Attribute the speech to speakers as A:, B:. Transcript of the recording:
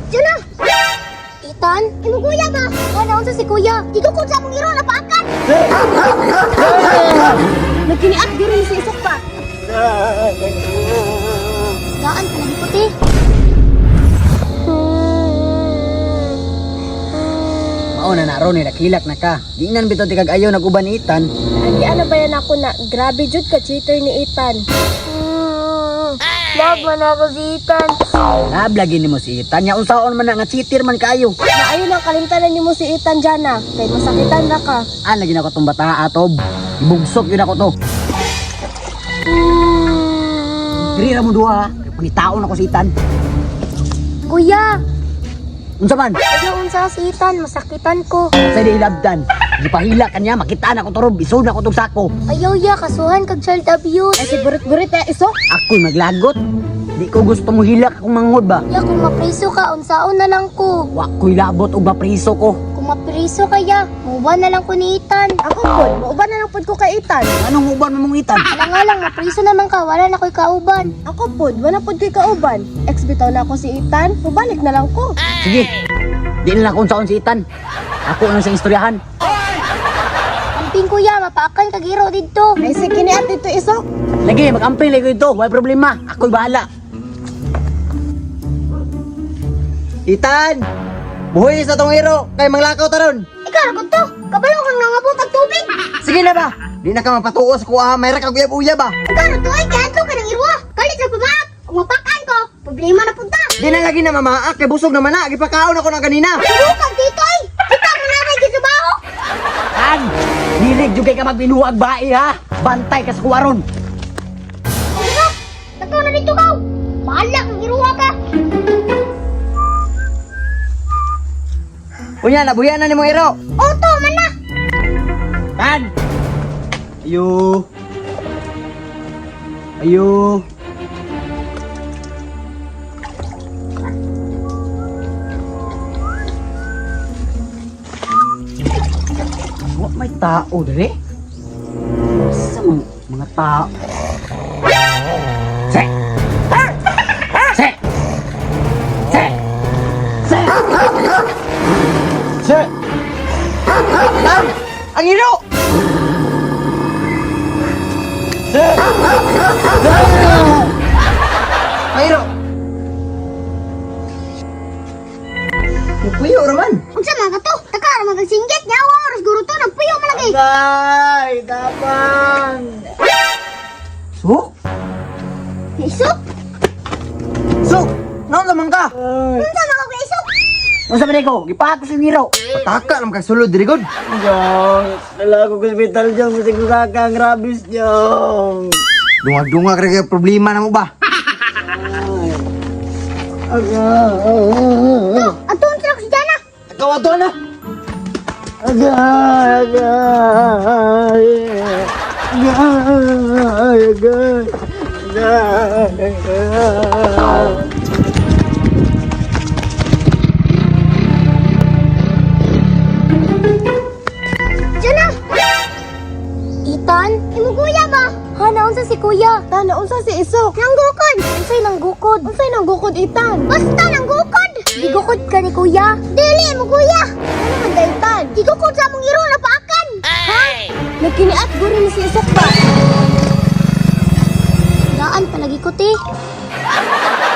A: Diyan na! Itan? Imo kuya ba? Ano unsa si kuya? Igukod sa among iro na paakan! Nagkiniat diri si isok pa! Daan ka lagi puti!
B: Mao na ron nakilak na ka. Di nan bitaw ti kag ayaw naguban ni Itan.
C: Andi ano ba yan ako na grabe jud ka cheater ni Ethan.
A: Love man ako si Itan!
B: Nablagi nimo si Itan. Nya unsaon man na nga cheater man kayo.
C: Na ayun ang kalimtanan nimo si Ethan Jana. Kay masakitan na ka.
B: Lagi na ko tong bata atob. Ibugsok yun ako to. Diri ra mo duha. Pangitaon ako si Itan.
A: Kuya!
B: Unsa man?
A: Ayaw unsa si Itan, masakitan ko.
B: Sa di ilabdan. Gipahila kanya makita na ko torob. Isod na ko tong sako.
A: Ayaw ya, kasuhan kag child abuse.
C: Ay si burit-burit isok.
B: Ako'y maglagot. Di ko gusto mo hilak akong manghod ba?
A: Ya, kung mapriso ka, unsaon na lang ko.
B: Wa ko'y labot o mapriso ko.
A: Kung mapriso kaya, muban na lang ko ni Itan.
C: Ako pod, mauban na lang pod ko kay Ethan.
B: Anong uban mo mong Itan?
A: Wala nga lang, mapriso naman ka, wala na ko'y kauban.
C: Ako pod, wala pod kay kauban. Ex bitaw na ako si Ethan. Mubalik na lang ko.
B: Sige. Di na lang kung saan si Itan. Ako na sa istoryahan.
A: Amping kuya, mapaakan kag iro didto.
C: Ay sige ni at dito isok.
B: Lagi, mag-amping lagi ito. Wala problema. Ako'y bahala. Itan! Buhay sa tong iro. Kay manglakaw taron.
A: Ikaw ra to, kabalo kang nangabot ang tubig.
B: Sige na ba? Di na ka mapatuos ko may rakag uyab-uyab ba?
A: Ikaw ra to, ay kaadto ka ng irwa. Kalit ra pamaak. Kung mapakan ko, problema na punta.
B: Di na lagi na mamaak. Kay busog naman na. Gipakaon ako na kanina.
A: Bukag dito ay. Kita mo na kay gisabaho.
B: Tan! Hilig jud kay ka magbinuwag bae ha. Bantay ka sa kuwaron.
A: Ano? Takaw na dito ka. Bahala kang irwa ka.
B: Unya, nabuyan na ni mong iro.
A: Oto man na.
B: Tan! Ayo. Ayo. Wa may tao dire? Sa mga tao. Se. Se. Se. Se. Se. Ang iro! Se. Ang iro! Puyo raman!
A: Unsa man ka to? Taka ra magsinggit nya oras guro to nagpuyo man lagi.
B: Agay! Tapang! So?
A: Isok.
B: So? Naon naman ka?
A: Unsa man ka isok?
B: Ano sabi ko? Gipahat ko sa ngiro. Pataka naman ka sulod, dirigod. Diyong, nalago ko sa hospital diyong. Masig ko kakang rabis diyong. Dungag-dungag kaya problema na mo ba?
A: Oh, atong truck si Jana.
B: Ikaw ato na. Agay, agay. Agay, agay. Agay.
A: Jana. Itan, imo kuya ba? Hana unsa si kuya?
C: Tana unsa si isok?
A: Nanggukod. Unsay nanggukod?
C: Unsay nang gukod Ethan?
A: Basta nanggukod. Gigukod ka ni kuya. Dili mo kuya.
C: Ano man daytan?
A: Gigukod sa among iro na paakan. Ha?
C: Nagkiniat guro ni si isok ba?
A: Daan palagi ko ti.